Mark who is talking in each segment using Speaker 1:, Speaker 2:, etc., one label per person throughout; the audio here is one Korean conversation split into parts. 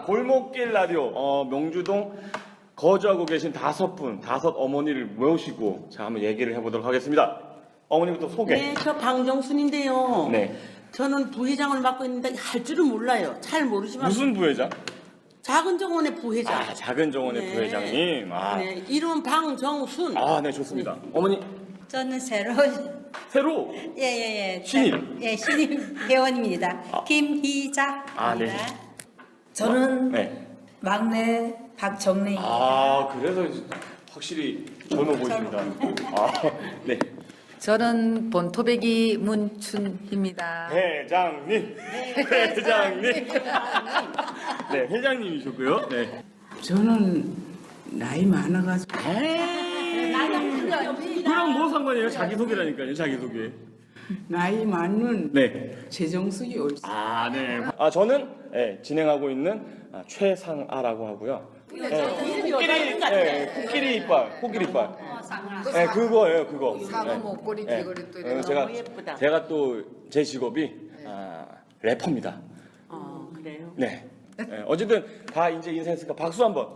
Speaker 1: 골목길 라디오 명주동 거주하고 계신 다섯 어머니를 모시고 자 한번 얘기를 해보도록 하겠습니다. 어머니부터 소개.
Speaker 2: 네, 저 방정순인데요.
Speaker 1: 네.
Speaker 2: 저는 부회장을 맡고 있는데 할 줄은 몰라요. 잘 모르지만
Speaker 1: 무슨 부회장?
Speaker 2: 작은 정원의 부회장.
Speaker 1: 아, 작은 정원의
Speaker 2: 네.
Speaker 1: 부회장님. 아,
Speaker 2: 네, 이름은 방정순.
Speaker 1: 아, 네, 좋습니다. 어머니
Speaker 3: 저는 새로
Speaker 1: 새로
Speaker 3: 신입 신입 회원입니다. 김희자입니다.
Speaker 1: 아, 네.
Speaker 4: 저는
Speaker 1: 네.
Speaker 4: 막내 박정래입니다.
Speaker 1: 아, 그래서 확실히 젊어 보이십니다. 아, 네.
Speaker 5: 저는 본토배기 문춘입니다.
Speaker 1: 회장님. 네, 회장님이셨고요. 네.
Speaker 6: 저는 나이 많아가지고
Speaker 1: 그럼 뭐 상관이에요? 자기소개라니까요, 자기소개.
Speaker 6: 나이 많은
Speaker 1: 네.
Speaker 6: 최정숙이 옳지.
Speaker 1: 아, 네. 아, 저는 진행하고 있는 최상아라고 하고요. 코끼리 이빨. 네, 그거예요, 그거.
Speaker 5: 사과 목걸이 귀걸이 또 이런 거.
Speaker 2: 너무 예쁘다.
Speaker 1: 제가 또 제 직업이 래퍼입니다.
Speaker 2: 그래요?
Speaker 1: 네. 어쨌든 다 이제 인사했으니까 박수 한번.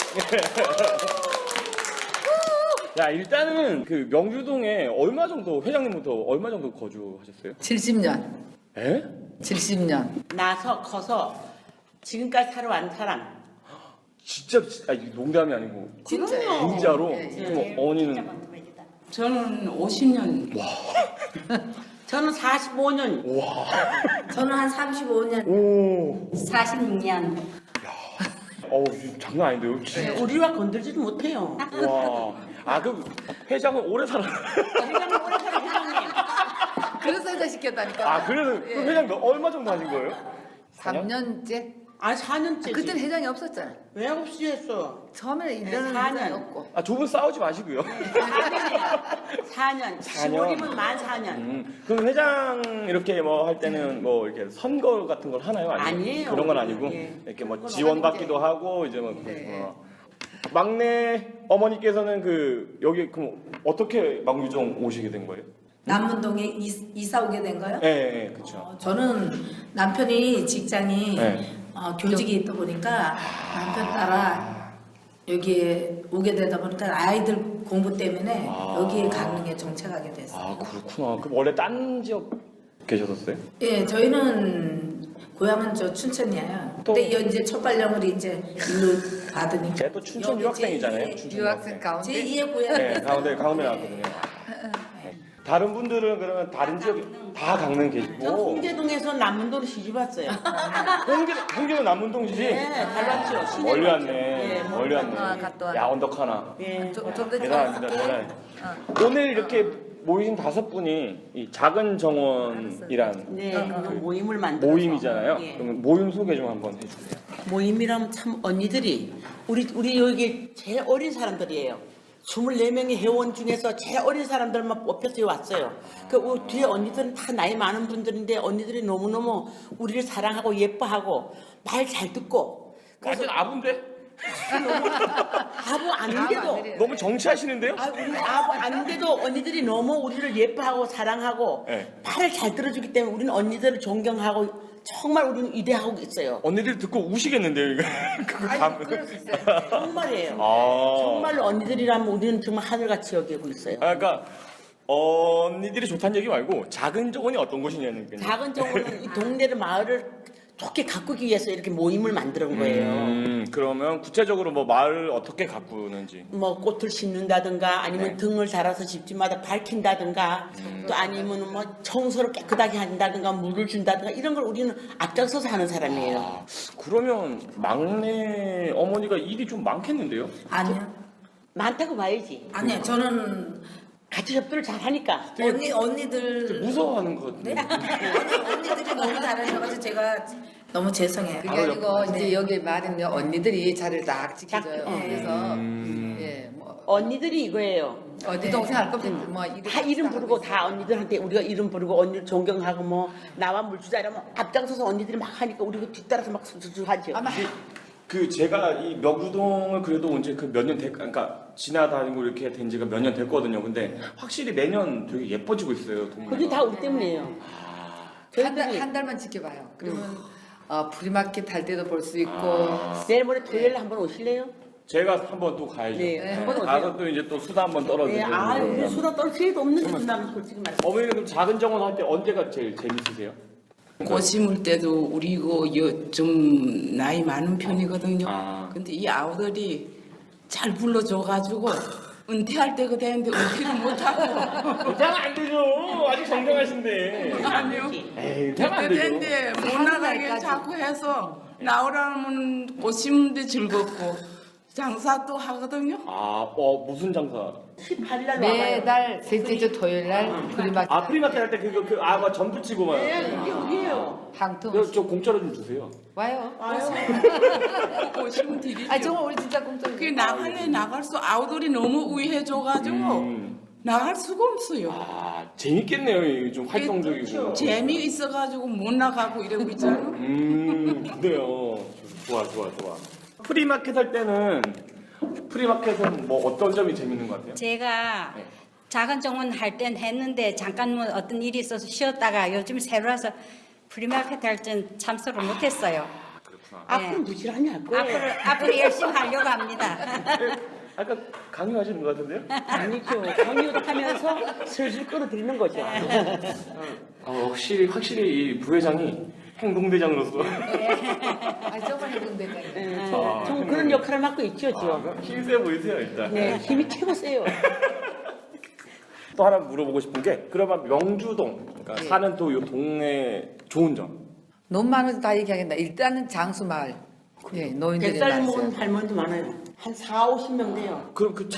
Speaker 1: 자, 일단은 그 명주동에 얼마 정도 회장님부터 얼마 정도 거주하셨어요?
Speaker 5: 70년.
Speaker 1: 에?
Speaker 5: 70년.
Speaker 2: 나서 커서 지금까지 살아온 사람.
Speaker 1: 진짜 이게 농담이 아니고
Speaker 2: 그럼요.
Speaker 1: 진짜로.
Speaker 5: 예, 예.
Speaker 1: 그럼 어머니는
Speaker 6: 저는 50년.
Speaker 2: 저는 45년.
Speaker 1: 와.
Speaker 4: 저는 한 35년.
Speaker 1: 오.
Speaker 3: 46년.
Speaker 1: 이거 장난 아닌데요? 진짜.
Speaker 2: 우리와 건들지도 못해요.
Speaker 1: 와. 아, 그 회장은 오래 살아.
Speaker 2: 회장님 오래 살아 회장님.
Speaker 5: 그래서 회장 시켰다니까.
Speaker 1: 아, 그래서 그 회장 얼마 정도 하신 거예요?
Speaker 5: 3년째.
Speaker 2: 아 4년째지.
Speaker 5: 그때는 회장이 없었잖아.
Speaker 2: 왜 없이 했어?
Speaker 5: 처음에는
Speaker 2: 네,
Speaker 5: 1년은
Speaker 2: 4년.
Speaker 5: 회장이 없고.
Speaker 1: 아, 두 분 싸우지 마시고요.
Speaker 2: 4년. 10월이면 만 4년.
Speaker 1: 그럼 회장 이렇게 뭐 할 때는 뭐 이렇게 선거 같은 걸 하나요?
Speaker 2: 아니에요.
Speaker 1: 그런 건 아니고
Speaker 2: 예.
Speaker 1: 이렇게 뭐
Speaker 2: 그건
Speaker 1: 지원받기도 하고 이제 뭐
Speaker 5: 네.
Speaker 1: 막내 어머니께서는 그 여기 그럼 어떻게 망주정 오시게 된 거예요?
Speaker 4: 남문동에 이사 오게 된 거요?
Speaker 1: 네, 그렇죠.
Speaker 4: 저는 남편이 직장이
Speaker 1: 네.
Speaker 4: 교직이 있다 보니까 남편 따라 여기에 오게 되다 보니까 아이들 공부 때문에 여기에 가는 게 정착하게 됐어요.
Speaker 1: 아, 그렇구나. 그럼 원래 딴 지역 계셨었어요?
Speaker 4: 예, 저희는 고향은 저 춘천이에요.
Speaker 1: 또-
Speaker 4: 근데 이제 첫 발령을 이제 일로 받으니까.
Speaker 1: 제가 또 춘천 유학생이잖아요. 춘천
Speaker 5: 유학생 가운데.
Speaker 4: 제2의 고향.
Speaker 1: 네, 가운데 나왔거든요. 네. 다른 분들은 그러면 다른 지역 다 강릉
Speaker 2: 저
Speaker 1: 계시고
Speaker 2: 홍제동에서 남문도로 시집 왔어요.
Speaker 1: 홍기는 남문동이지?
Speaker 2: 네, 잘 왔죠. 시내
Speaker 1: 멀리
Speaker 2: 왔죠.
Speaker 1: 왔네.
Speaker 2: 네,
Speaker 1: 멀리 왔네.
Speaker 5: 갔다 왔네.
Speaker 1: 야, 언덕 하나.
Speaker 2: 예.
Speaker 5: 좀더
Speaker 1: 대단합니다. 대단해. 오늘 이렇게 모이신 다섯 분이 이 작은 정원이란
Speaker 2: 네, 그 모임을 만들어서.
Speaker 1: 모임이잖아요.
Speaker 2: 예.
Speaker 1: 그러면 모임 소개 좀 한번 해주세요.
Speaker 2: 모임이라면 참 언니들이 우리 여기 제일 어린 사람들이에요. 24명의 회원 중에서 제일 어린 사람들만 뽑혀서 왔어요. 그 뒤에 언니들은 다 나이 많은 분들인데 언니들이 너무너무 우리를 사랑하고 예뻐하고 말 잘 듣고
Speaker 1: 완전 아부인데?
Speaker 2: 아부 아닌데도
Speaker 1: 너무 정치하시는데요?
Speaker 2: 우리 아부 아닌데도 언니들이 너무 우리를 예뻐하고 사랑하고
Speaker 1: 네.
Speaker 2: 말을 잘 들어주기 때문에 우리는 언니들을 존경하고 정말 우리는 이대하고 있어요.
Speaker 1: 언니들 듣고 우시겠는데요, 이거? 그거 다.
Speaker 5: 그럴 수 있어요.
Speaker 2: 정말이에요.
Speaker 1: 아.
Speaker 2: 정말로 언니들이라면 우리는 정말 하늘같이 여기고 있어요.
Speaker 1: 아, 그러니까 언니들이 좋다는 얘기 말고 작은 정원이 어떤 곳이냐는 거예요.
Speaker 2: 작은 정원은 이 동네를 마을을 좋게 가꾸기 위해서 이렇게 모임을 만드는 거예요.
Speaker 1: 그러면 구체적으로 뭐 마을 어떻게 가꾸는지.
Speaker 2: 뭐 꽃을 심는다든가 아니면
Speaker 1: 네.
Speaker 2: 등을 달아서 집집마다 밝힌다든가 또 아니면 뭐 청소를 깨끗하게 한다든가 물을 준다든가 이런 걸 우리는 앞장서서 하는 사람이에요.
Speaker 1: 아, 그러면 막내 어머니가 일이 좀 많겠는데요?
Speaker 4: 아니요.
Speaker 2: 많다고 봐야지.
Speaker 4: 아니요. 저는
Speaker 2: 같이 협조를 잘 하니까.
Speaker 4: 언니들
Speaker 1: 무서워하는 것
Speaker 4: 네?
Speaker 1: 같은데.
Speaker 4: 언니들이 너무 잘하셔가지고 제가 너무 죄송해요.
Speaker 5: 그게
Speaker 1: 바로
Speaker 5: 아니고
Speaker 4: 네.
Speaker 5: 이제 여기 말은 언니들이 자리를 딱 지켜줘요.
Speaker 2: 딱,
Speaker 5: 그래서 예, 뭐
Speaker 2: 언니들이 이거예요.
Speaker 5: 어디 동생 할 것 없이 뭐
Speaker 2: 다 이름 부르고 다 언니들한테 우리가 이름 부르고 언니를 존경하고 뭐 나와 물 주자 이러면 앞장서서 언니들이 막 하니까 우리가 뒤따라서 막 하죠.
Speaker 5: 아마
Speaker 1: 그 제가 이 명주동을 그래도 언제 그 몇 년 그러니까 지나다니고 이렇게 된 지가 몇 년 됐거든요. 근데 확실히 매년 되게 예뻐지고 있어요. 동네가.
Speaker 2: 그게 다 우리 때문이에요.
Speaker 5: 한 달만 지켜봐요. 그러면 프리마켓 할 때도 볼 수 있고
Speaker 2: 내일 모레 토요일 날 한번 오실래요?
Speaker 1: 제가 한번 또 가야죠.
Speaker 2: 네, 한번 오세요.
Speaker 1: 가서 또 이제 또 수다 한번 떨어지고.
Speaker 2: 네, 우리 수다 떨 기회도 없는데 준다면 솔직히 말해.
Speaker 1: 어머니는 그럼 작은 정원 할 때 언제가 제일 재밌으세요?
Speaker 6: 꽃 심을 때도 우리 이거 좀 나이 많은 편이거든요.
Speaker 1: 아.
Speaker 6: 근데 이 아우들이 잘 불러줘가지고 은퇴할 때가 되는데 은퇴를 못하고
Speaker 1: 은퇴하면 안 되죠. 아직 정정하신데.
Speaker 6: 아니요.
Speaker 1: 에이, 은퇴하면 안
Speaker 6: 그때
Speaker 1: 되죠.
Speaker 6: 되는데 못 나가게 자꾸 해서 나오라면 꽃 심는데 즐겁고 장사도 하거든요.
Speaker 1: 아, 무슨 장사?
Speaker 2: 18일 날 와봐요.
Speaker 5: 매달 셋째 주 토요일 날 프리마켓
Speaker 1: 아, 프리마켓 할 때 뭐 전부 치고 막.
Speaker 2: 네, 이게 여기에요.
Speaker 5: 항통
Speaker 1: 저 공짜로 좀 주세요.
Speaker 5: 와요.
Speaker 6: 꽃 심으면 드리죠.
Speaker 5: 아 정말 우리 진짜 공짜.
Speaker 6: 그게 나갈래 나갈 수 아우들이 너무 우회해줘가지고 나갈 수가 없어요.
Speaker 1: 아, 재밌겠네요. 이게 좀 활동적이고.
Speaker 6: 재미있어가지고 못 나가고 이러고 있잖아.
Speaker 1: 그래요. 좋아. 프리마켓 할 때는 프리마켓은 뭐 어떤 점이 재밌는 것 같아요?
Speaker 3: 제가
Speaker 1: 네.
Speaker 3: 작은 정원 할 땐 했는데 잠깐 뭐 어떤 일이 있어서 쉬었다가 요즘 새로 와서 프리마켓 할 땐 참석을 못했어요.
Speaker 1: 그렇구나.
Speaker 2: 앞으로 부지런히 할 거예요.
Speaker 3: 앞으로 열심히 하려고 합니다.
Speaker 1: 아까 강요하시는 것 같은데요?
Speaker 2: 아니죠. 강요도 하면서 슬슬 끌어들이는 거죠.
Speaker 1: 확실히 이 부회장이 행동대장으로서
Speaker 5: 아 정말 행동대장.
Speaker 2: 네, 좀 그런 역할을 맡고 있죠, 지금.
Speaker 1: 힘세 보이세요 일단.
Speaker 2: 네, 힘이 최고 세요.
Speaker 1: 또 하나 물어보고 싶은 게 그러면 명주동 그러니까 사는 또 이 동네 좋은 점.
Speaker 5: 너무 많아서 다 얘기하겠다. 일단은 장수 마을. 예, 노인들이
Speaker 2: 100살 먹은
Speaker 5: 많아요.
Speaker 2: 할머니도 많아요. 한 4, 50명 돼요.
Speaker 1: 그럼 그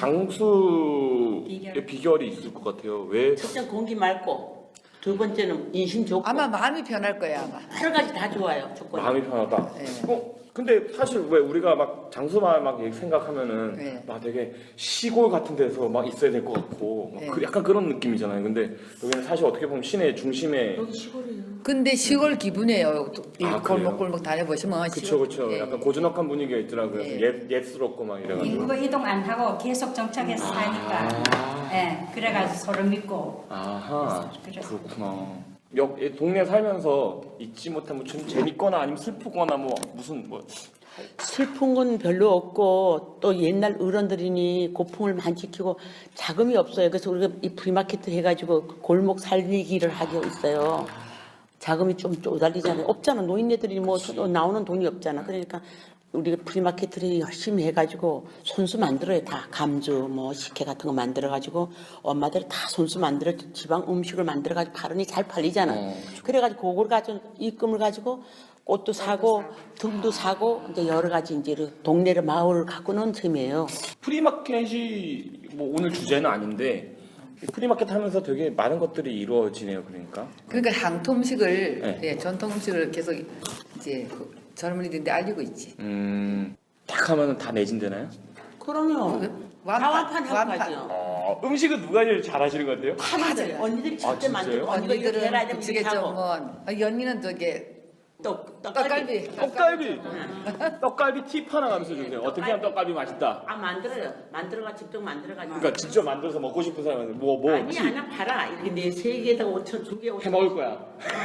Speaker 1: 장수의 비결이 있을 것 같아요. 왜?
Speaker 2: 첫째 공기 맑고, 두 번째는 인심 좋고,
Speaker 5: 아마 마음이 변할 거야 아마.
Speaker 2: 여러 가지 다 좋아요, 조건이.
Speaker 1: 마음이 편하다.
Speaker 5: 네.
Speaker 1: 근데 사실 왜 우리가 막 장수마을 막 생각하면은
Speaker 5: 네.
Speaker 1: 막 되게 시골 같은 데서 막 있어야 될 것 같고 막
Speaker 5: 네.
Speaker 1: 약간 그런 느낌이잖아요. 근데 여기는 사실 어떻게 보면 시내 중심에
Speaker 2: 여기 시골이에요.
Speaker 5: 근데 시골 기분이에요. 이
Speaker 1: 아,
Speaker 5: 골목골목 다녀보시면
Speaker 1: 그쵸.
Speaker 5: 예.
Speaker 1: 약간 고즈넉한 분위기가 있더라고요.
Speaker 5: 예.
Speaker 1: 옛스럽고 막 이래가지고.
Speaker 3: 인구 이동 안 하고 계속 정착해서 사니까 예, 그래가지고 서로 믿고
Speaker 1: 아하,
Speaker 3: 그래서.
Speaker 1: 그렇구나. 이 동네 살면서 잊지 못한 뭐 좀 재밌거나 아니면 슬프거나 뭐 무슨 뭐
Speaker 2: 슬픈 건 별로 없고 또 옛날 어른들이니 고풍을 많이 지키고 자금이 없어요. 그래서 우리가 이 프리마켓 해가지고 골목 살리기를 하고 있어요. 자금이 좀 쪼달리잖아요. 없잖아. 노인네들이 뭐 나오는 돈이 없잖아. 그러니까 우리가 프리마켓을 열심히 해가지고 손수 만들어요. 다 감주 뭐 식혜 같은 거 만들어가지고 엄마들이 다 손수 만들어 지방 음식을 만들어가지고 팔으니 잘 팔리잖아. 그래가지고 그걸 가지고 입금을 가지고 꽃도 사고 등도 사고 이제 여러 가지 이제 동네를 마을을 가꾸는 셈이에요.
Speaker 1: 프리마켓이 뭐 오늘 주제는 아닌데 이 프리마켓 하면서 되게 많은 것들이 이루어지네요.
Speaker 5: 그러니까 향토 음식을
Speaker 1: 네.
Speaker 5: 예, 전통 음식을 계속 이제 그 젊은이들한테 알리고 있지.
Speaker 1: 딱 하면은 다 매진되나요?
Speaker 2: 그럼요. 완판 하고 가죠.
Speaker 1: 음식은 누가 제일 잘하시는 것 같아요?
Speaker 2: 다 맞아요. 언니들이 직접
Speaker 1: 진짜요?
Speaker 2: 만들고 언니가 이렇게 해라
Speaker 5: 언니들은
Speaker 2: 이러면
Speaker 5: 부치겠죠.
Speaker 2: 하고.
Speaker 5: 뭐 연니는 저게
Speaker 2: 떡갈비.
Speaker 5: 떡갈비.
Speaker 1: 떡갈비 팁 하나 가면서 주세요. 어떻게 하면 떡갈비 맛있다.
Speaker 2: 아 만들어요. 만들어가 직접 만들어가지고.
Speaker 1: 그러니까 직접 만들어서 먹고 싶은 사람은 뭐
Speaker 2: 아니
Speaker 1: 팁
Speaker 2: 하나 팔아. 이렇게 네 세 개에다가 5천, 두 개 5천.
Speaker 1: 해 먹을 거야.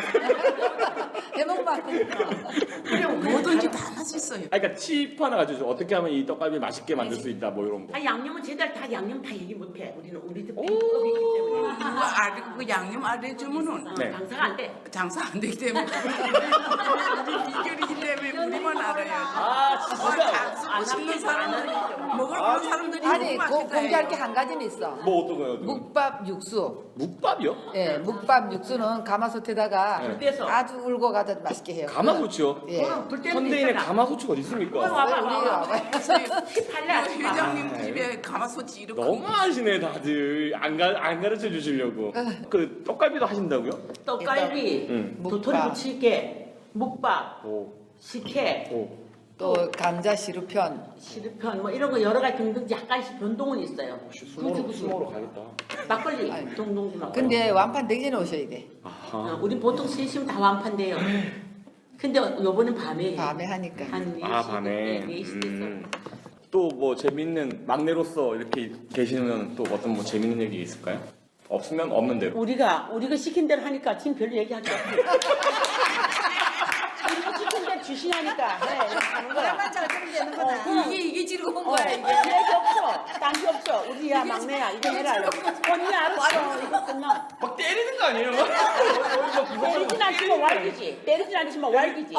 Speaker 5: 해먹만.
Speaker 2: 그래
Speaker 6: 뭐든지 다 맛있어요.
Speaker 1: 아, 그러니까 팁 하나 가지고 어떻게 하면 이 떡갈비 맛있게 만들 수 있다 뭐 이런 거.
Speaker 2: 아 양념은 제대로 다 양념 다 얘기 못해. 우리는 우리들 비법이 있기 때문에.
Speaker 6: 누가 그 양념 안 해주면은
Speaker 1: 네.
Speaker 2: 장사가 안 돼.
Speaker 6: 장사 안 되기 때문에 우리 비결이기 때문에 우리만 알아요.
Speaker 1: 아
Speaker 6: 다 쓰고 싶는 사람들 먹을 만한 사람들이
Speaker 5: 아니
Speaker 6: 너무 맛있다.
Speaker 5: 공개할 게 한 가지는 있어.
Speaker 1: 뭐 어떤 거요?
Speaker 5: 묵밥 육수.
Speaker 1: 묵밥이요?
Speaker 5: 예, 묵밥 육수는 가마솥에다가
Speaker 1: 네.
Speaker 2: 떼서.
Speaker 5: 아주 울고 가다 맛있게 해요.
Speaker 1: 가마솥이요?
Speaker 5: 예.
Speaker 2: 그럼 불 때는
Speaker 1: 현대인에
Speaker 2: 있잖아.
Speaker 1: 가마솥이 어디 있습니까?
Speaker 2: 와봐
Speaker 5: 우리
Speaker 2: 와봐.
Speaker 5: 와봐요.
Speaker 2: 팔래.
Speaker 6: 회장님 집에 가마솥이 이렇게
Speaker 1: 너무 하시네 다들 안 가르쳐 주시려고. 그 떡갈비도 하신다고요?
Speaker 2: 떡갈비,
Speaker 1: 응.
Speaker 2: 도토리
Speaker 5: 묵밥.
Speaker 2: 부치게, 묵밥,
Speaker 1: 오.
Speaker 2: 식혜,
Speaker 1: 오.
Speaker 5: 또 감자 시루편.
Speaker 2: 시르편 뭐 이런 거 여러 가지 등등 약간씩 변동은 있어요.
Speaker 1: 수모로 가겠다.
Speaker 2: 막걸리, 동동주 막걸리.
Speaker 5: 근데 완판 되기 전에 오셔야 돼.
Speaker 1: 아하.
Speaker 2: 우리 보통 3시면 다 완판돼요. 근데 요번엔 밤에
Speaker 5: 밤에 하니까.
Speaker 2: 한 4시,
Speaker 1: 아 밤에.
Speaker 2: 4시 됐어.
Speaker 1: 또 뭐 재밌는 막내로서 이렇게 계시면 또 어떤 뭐 재밌는 얘기 있을까요? 없으면 없는 대로.
Speaker 2: 우리가 시킨 대로 하니까 지금 별로 얘기할 게 없어요. 우리가 시킨 대로 지시하니까 해 이렇게 하는 거야.
Speaker 4: 나만 잘 들으면 되는구나. 이게 즐거운 거야 이게.
Speaker 2: 얘기 없어. 딴게 없어. 우리야 막내야. 이거 해라. 언니 알았어. 이거 끝나.
Speaker 1: 막 때리는 거 아니에요?
Speaker 2: 때리진 않지만 왈기지. 때리진 않지만 왈기지.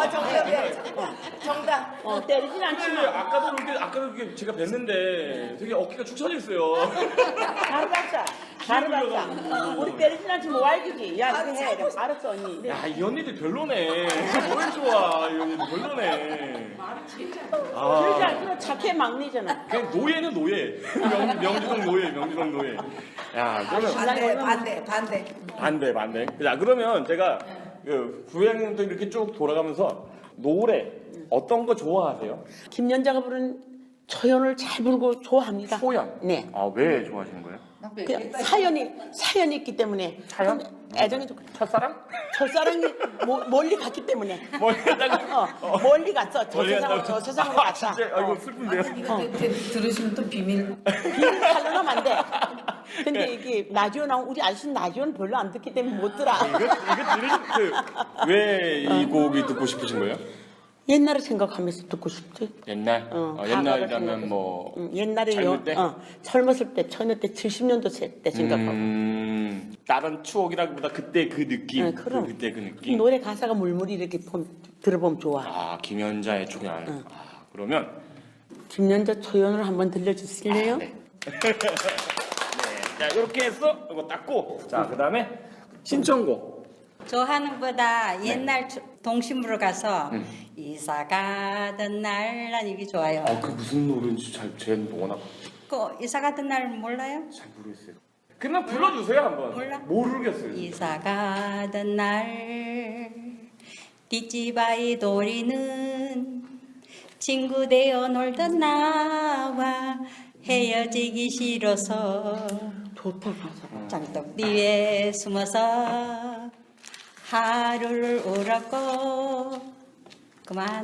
Speaker 4: 정답.
Speaker 2: 때리진 않지만.
Speaker 1: 아까도 이렇게 제가 뵀는데 되게 어깨가 축 처져 있어요.
Speaker 2: 바로 봤자. 바로 봤자. 우리 때리진 않지만 왈기지. 야 이거 해. 이러고. 알았어 언니.
Speaker 1: 야, 이 언니들 별로네. 뭘 좋아, 이 언니들 별로네.
Speaker 2: 그러지 않지만 착해 막내잖아.
Speaker 1: 그냥 노예는 노예. 명주동 노예. 야, 그러면 반대. 자, 그러면 제가 그 부회장님도 이렇게 쭉 돌아가면서 노래 어떤 거 좋아하세요?
Speaker 2: 김연자가 부른 초연을 잘 부르고 좋아합니다.
Speaker 1: 초연?
Speaker 2: 네.
Speaker 1: 아, 왜 좋아하시는 거예요?
Speaker 2: 그 사연이 있기 때문에.
Speaker 1: 사연?
Speaker 2: 애정이 좋고.
Speaker 1: 첫사랑?
Speaker 2: 첫사랑이 멀리 갔기 때문에.
Speaker 1: 멀리 갔다가?
Speaker 2: 멀리 갔어. 저
Speaker 1: 멀리
Speaker 2: 세상으로
Speaker 1: 갔다가?
Speaker 2: 저 세상으로 갔다.
Speaker 1: 진짜, 아이고, 슬픈데요?
Speaker 4: 이거 들으시면 또 비밀.
Speaker 2: 비밀 탈려나면 안 돼. 근데 이게 라디오 나오면 우리 아저씨는 라디오는 별로 안 듣기 때문에 못 들어.
Speaker 1: 이거 들으신 왜 이 곡이 듣고 싶으신 거예요?
Speaker 2: 옛날을 생각하면서 듣고 싶지.
Speaker 1: 옛날?
Speaker 2: 과거를
Speaker 1: 옛날이라면
Speaker 2: 생각해서.
Speaker 1: 뭐
Speaker 2: 옛날에
Speaker 1: 젊을 때?
Speaker 2: 젊었을 때 처녀 때 70년도 때 생각하고.
Speaker 1: 다른 추억이라기보다 그때 그 느낌,
Speaker 2: 네, 그럼.
Speaker 1: 그때 그 느낌.
Speaker 2: 노래 가사가 물물이 이렇게 들어보면 좋아.
Speaker 1: 아, 김연자의 초연. 그러면
Speaker 2: 김연자 초연을 한번 들려주실래요?
Speaker 1: 네. 자, 이렇게 해서 이거 닦고, 자, 그다음에 신청곡.
Speaker 3: 저 하는 것보다 옛날 동심으로 가서 이사 가던 날 난 이게 좋아요.
Speaker 1: 그 무슨 노래인지 제가 워낙
Speaker 3: 그 이사 가던 날 몰라요?
Speaker 1: 잘 모르겠어요. 그냥 불러주세요 한번.
Speaker 3: 몰라?
Speaker 1: 모르겠어요.
Speaker 3: 이사 가던 날 뒷집 아이 도리는 친구 되어 놀던 나와 헤어지기 싫어서
Speaker 2: 좋다 가사가.
Speaker 3: 장독 뒤에 숨어서 하루를 울었고 그만.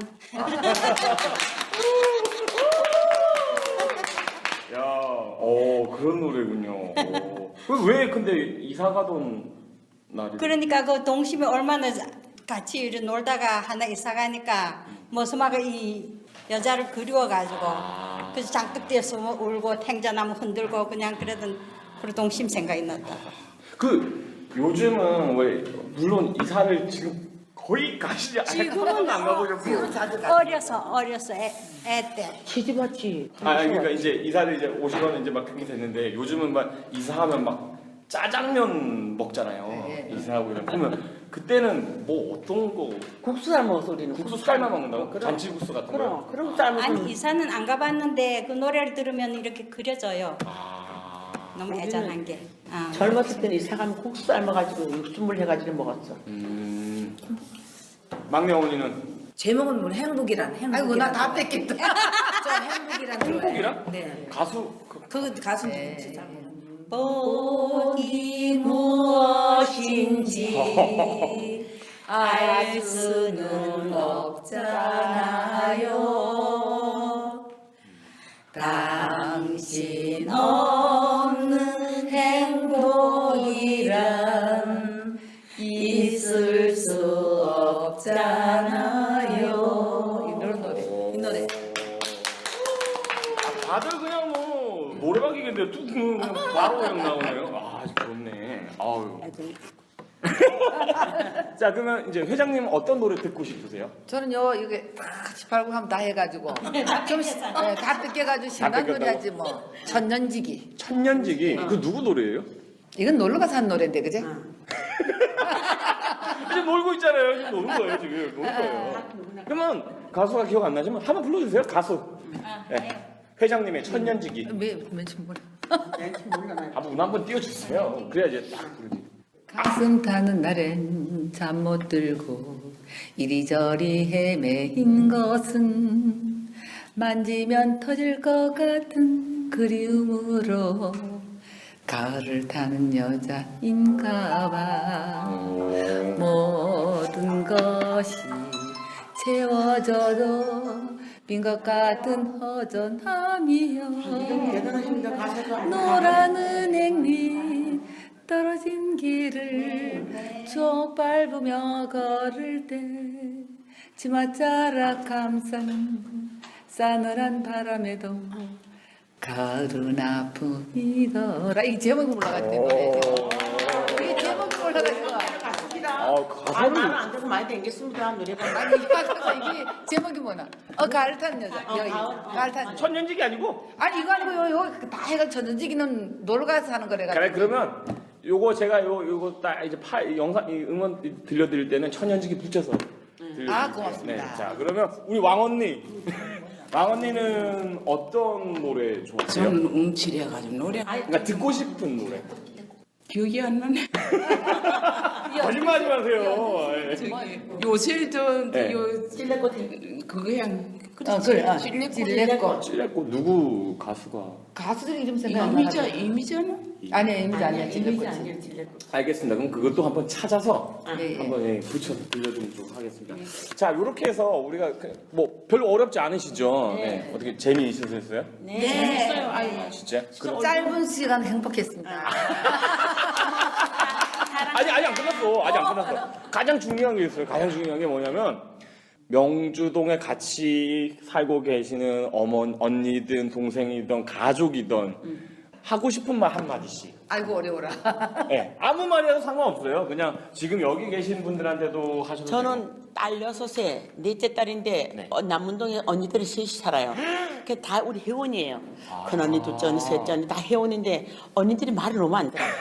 Speaker 1: 야, 그런 노래군요. 왜 근데 이사 가던 날이?
Speaker 3: 그러니까 그 동심이 얼마나 같이 이렇게 놀다가 하나 이사 가니까 모스마가 이 여자를 그리워가지고 그래서 장독 뒤에 숨어 울고 탱자나무 흔들고 그냥 그러던 그 동심 생각이 났다.
Speaker 1: 요즘은 왜 물론 이사를 지금 거의 가시지
Speaker 3: 지금은
Speaker 1: 안 가보셨고.
Speaker 3: 어려서 애 때.
Speaker 2: 시집 왔지.
Speaker 1: 그러니까 이제 이사를 이제 오시면 이제 막 그렇게 됐는데 요즘은 막 이사하면 막 짜장면 먹잖아요.
Speaker 5: 네.
Speaker 1: 이사하고 이러면 그러면 그때는 뭐 어떤 거
Speaker 2: 국수 삶 먹어서 우리는
Speaker 1: 국수 삶아 먹는다고?
Speaker 2: 그럼.
Speaker 1: 잔치국수 같은 거?
Speaker 2: 그럼 삶아서.
Speaker 3: 아니 이사는 안 가봤는데 그 노래를 들으면 이렇게 그려져요. 너무 애잔한 게.
Speaker 2: 젊었을 때는 이사 가면 국수 삶아가지고 육수물 해가지고 먹었어.
Speaker 1: 막내 어머니는
Speaker 4: 제목은 뭐 행복이란.
Speaker 5: 아이고 나 다 뺏겠다.
Speaker 4: 저 행복이란 좋아해요.
Speaker 1: 행복이란?
Speaker 4: 네.
Speaker 1: 가수
Speaker 4: 그 가수 누구지? 잘 모르는.
Speaker 3: 복이 무엇인지 알 수는 없잖아요. 당신 없는 행복이란 있을 수 없잖아요.
Speaker 5: 이런 노래.
Speaker 4: 이 노래.
Speaker 1: 다들 그냥 뭐 노래방이겠는데 뚝 그냥 바로 그냥 나오네요. 좋네. 아유. 자, 그러면 이제 회장님 어떤 노래 듣고 싶으세요?
Speaker 5: 저는요 이게 다 같이 팔고 하면 다 해가지고 다 뜯겨가지고 신난
Speaker 1: 뜯겼다고?
Speaker 5: 노래 하지 뭐. 천년지기.
Speaker 1: 천년지기. 그 누구 노래예요?
Speaker 5: 이건 놀러 가서 한 노래인데 그제?
Speaker 1: 이제 놀고 있잖아요. 지금 노는 거예요, 지금. 노는 거예요. 그러면 가수가 기억 안 나지만 한번 불러주세요, 가수. 네. 회장님의 천년지기.
Speaker 5: 맨처음 몰라.
Speaker 1: 문 한번 띄워주세요. 그래야 이제 딱 부르지.
Speaker 5: 가슴 타는 날엔 잠 못 들고 이리저리 헤매인 것은 만지면 터질 것 같은 그리움으로 가을을 타는 여자인가 봐. 모든 것이 채워져도 빈 것 같은 허전함이여.
Speaker 2: 대단하십니다. 가사가.
Speaker 5: 노란 은행잎 떨어진 길을 쭉 밟으며 걸을 때 치맛자락 감싸는 싸늘한 바람에도 가을은 아픔이더라. 이 제목이 올라갔대 노래. 이게 제목이 올라가지고.
Speaker 2: 가사를 나는 안 돼서 많이 댕겼습니다. 노래방.
Speaker 5: 아니 이게 제목이 뭐나? 가을 타는 여자. 여기 가을 타는 여자.
Speaker 1: 천년직이 아니고.
Speaker 5: 아니 이거 아니고 요 다 해가 천연지기는 놀러 가서 하는 거래가.
Speaker 1: 그래 그러면 요거 제가 요거 딱 이제 영상 이 응원 들려드릴 때는 천년직이 붙여서. 들려드릴게요.
Speaker 5: 아, 고맙습니다.
Speaker 1: 네, 자 그러면 우리 왕언니. 왕언니는 어떤 노래 좋아해요?
Speaker 6: 저는 움츠려가지고 노래
Speaker 1: 그러니까 듣고 싶은 노래.
Speaker 6: 기억이 안 나네.
Speaker 1: 거짓말하지 마세요. 예.
Speaker 6: 저기 요새
Speaker 1: 네.
Speaker 2: 찔레꽃.
Speaker 6: 그거 그냥
Speaker 5: 그래. 찔레꽃.
Speaker 1: 찔레꽃 누구 가수가?
Speaker 5: 가수들 이름 생각 안 나.
Speaker 6: 이미잖아.
Speaker 5: 아니야 이미지 아니야.
Speaker 2: 이미지
Speaker 5: 찔레꽃.
Speaker 2: 아니에요, 찔레꽃.
Speaker 1: 알겠습니다. 그럼 그것도 한번 찾아서
Speaker 5: 네.
Speaker 1: 한번 붙여서 들려드리도록 하겠습니다. 자, 이렇게 해서 우리가 뭐 별로 어렵지 않으시죠? 네. 어떻게 재미있으셨어요?
Speaker 2: 네. 재밌어요. 아유.
Speaker 1: 진짜? 그럼
Speaker 5: 짧은 시간 행복했습니다.
Speaker 1: 아직 안 끝났어. 아직 안 끝났어. 가장 중요한 게 있어요. 가장 중요한 게 뭐냐면 명주동에 같이 살고 계시는 언니든 동생이든 가족이든 하고 싶은 말 한마디씩.
Speaker 5: 아이고 어려워라.
Speaker 1: 네, 아무 말이라도 상관없어요. 그냥 지금 여기 계신 분들한테도 하셔도 되고.
Speaker 2: 저는 딸 6에 넷째 딸인데
Speaker 1: 네.
Speaker 2: 남문동에 언니들이 셋이 살아요. 그 다 우리 회원이에요. 큰 언니, 둘째 언니, 셋째 언니 다 회원인데 언니들이 말을 너무 안 들어.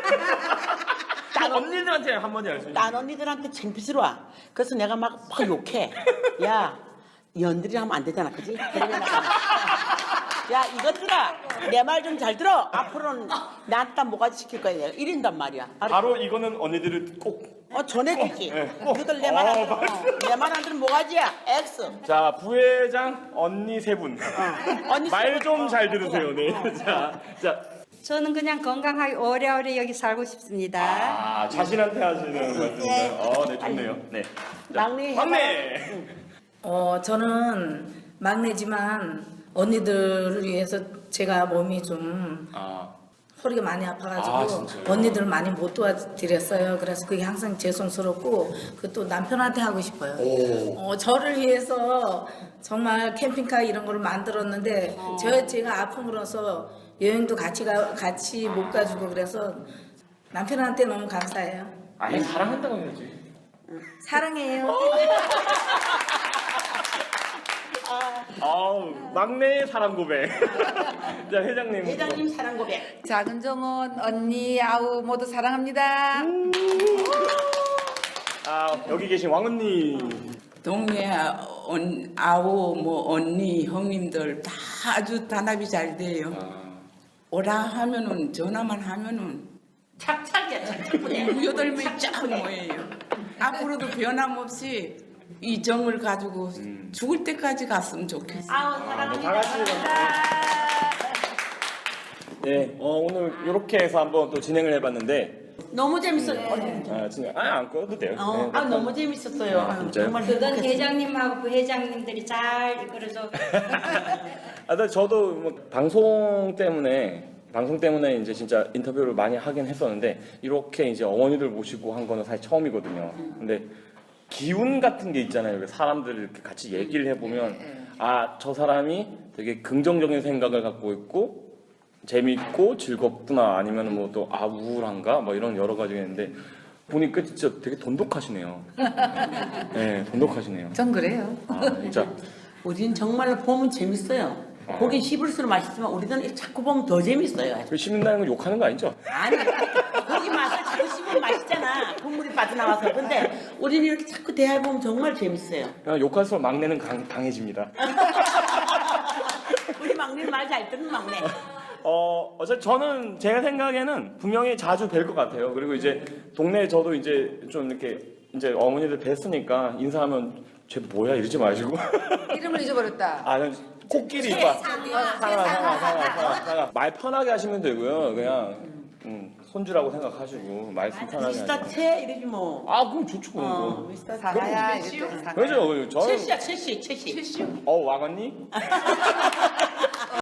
Speaker 1: 딱 언니들한테 한마디 할 수 있어요.
Speaker 2: 딴 언니들한테 창피스러워. 그래서 내가 막 욕해. 야, 연들이 하면 안 되잖아, 그지? 그러면 내가 야, 이것들아, 내 말 좀 잘 들어. 앞으로는 나한테 모가지 시킬 거야. 내가 이런단 말이야.
Speaker 1: 바로 이거는 언니들을 꼭.
Speaker 2: 전해주지.
Speaker 1: 네.
Speaker 2: 너희들 내 말 안 들어. 내 말 안 들으면 모가지야. X.
Speaker 1: 자, 부회장 언니 세 분.
Speaker 2: 언니
Speaker 1: 말 좀 잘 들으세요. 네. 자.
Speaker 3: 저는 그냥 건강하게 오래오래 여기 살고 싶습니다.
Speaker 1: 자신한테 하시는 말씀인가요? 네, 좋네요. 네. 자,
Speaker 2: 막내
Speaker 1: 막내.
Speaker 4: 저는 막내지만 언니들을 위해서 제가 몸이 좀 허리가 많이 아파가지고
Speaker 1: 진짜요?
Speaker 4: 언니들 많이 못 도와드렸어요. 그래서 그게 항상 죄송스럽고 그 또 남편한테 하고 싶어요. 저를 위해서 정말 캠핑카 이런 걸 만들었는데 제가 아픔으로서 여행도 같이 못 가지고 그래서 남편한테 너무 감사해요.
Speaker 1: 아니, 사랑한다고 해야지.
Speaker 4: 사랑해요.
Speaker 1: 막내의 사랑 고백. 자, 회장님.
Speaker 2: 회장님 사랑 고백.
Speaker 5: 작은 정원 언니 아우 모두 사랑합니다.
Speaker 1: 여기 계신 왕언니.
Speaker 6: 동네 아우 뭐 언니 형님들 다 아주 단합이 잘 돼요. 오라 하면은 전화만 하면은
Speaker 2: 착착이야, 착착부대.
Speaker 6: 8명이 쫙 모여요. 앞으로도 변함없이 이 정을 가지고 죽을 때까지 갔으면 좋겠어.
Speaker 2: 아우,
Speaker 1: 다 같이.
Speaker 2: 사랑합니다.
Speaker 1: 네, 오늘 이렇게 해서 한번 또 진행을 해봤는데.
Speaker 2: 너무 재밌었어요.
Speaker 1: 안 꺼도 돼요. 네.
Speaker 2: 너무 재밌었어요. 아유,
Speaker 1: 진짜요?
Speaker 2: 정말
Speaker 3: 그건
Speaker 2: 행복했어요.
Speaker 3: 회장님하고 부회장님들이 잘 이끌어줘.
Speaker 1: 근데 저도 뭐 방송 때문에 이제 진짜 인터뷰를 많이 하긴 했었는데 이렇게 이제 어머니들 모시고 한 거는 사실 처음이거든요. 근데 기운 같은 게 있잖아요. 사람들 이렇게 같이 얘기를 해보면 저 사람이 되게 긍정적인 생각을 갖고 있고 재밌고 즐겁구나 아니면 뭐 또 우울한가 뭐 이런 여러 가지가 있는데 보니까 진짜 되게 돈독하시네요. 네, 돈독하시네요.
Speaker 5: 전 그래요.
Speaker 1: 진짜.
Speaker 2: 우린 정말로 보면 재밌어요. 보긴 씹을수록 맛있지만 우리는 자꾸 보면 더 재밌어요.
Speaker 1: 씹는다는 건 욕하는 거 아니죠?
Speaker 2: 아니, 고기 맛을 자꾸 씹으면 맛있잖아. 국물이 빠져나와서. 근데 우리는 이렇게 자꾸 대화해보면 정말 재밌어요.
Speaker 1: 그냥 욕할수록 막내는 강해집니다.
Speaker 2: 우리 막내는 말 잘 듣는 막내.
Speaker 1: 어차피 저는 제가 생각에는 분명히 자주 뵐 것 같아요. 그리고 이제 동네에 저도 이제 좀 이렇게 이제 어머니들 뵀으니까 인사하면 쟤 뭐야 이러지 마시고.
Speaker 5: 이름을 잊어버렸다.
Speaker 1: 코끼리 이빠. 상아. 말 편하게 하시면 되고요. 그냥 손주라고 생각하시고 말씀 편하게
Speaker 2: 미스터
Speaker 1: 하시고.
Speaker 2: 채 이러지 뭐.
Speaker 1: 그럼 좋죠. 그럼.
Speaker 2: 미스터
Speaker 5: 사나야 이랬더니 사나.
Speaker 1: 그렇죠. 저는
Speaker 2: 채씨야, 채씨.
Speaker 1: 왕언니?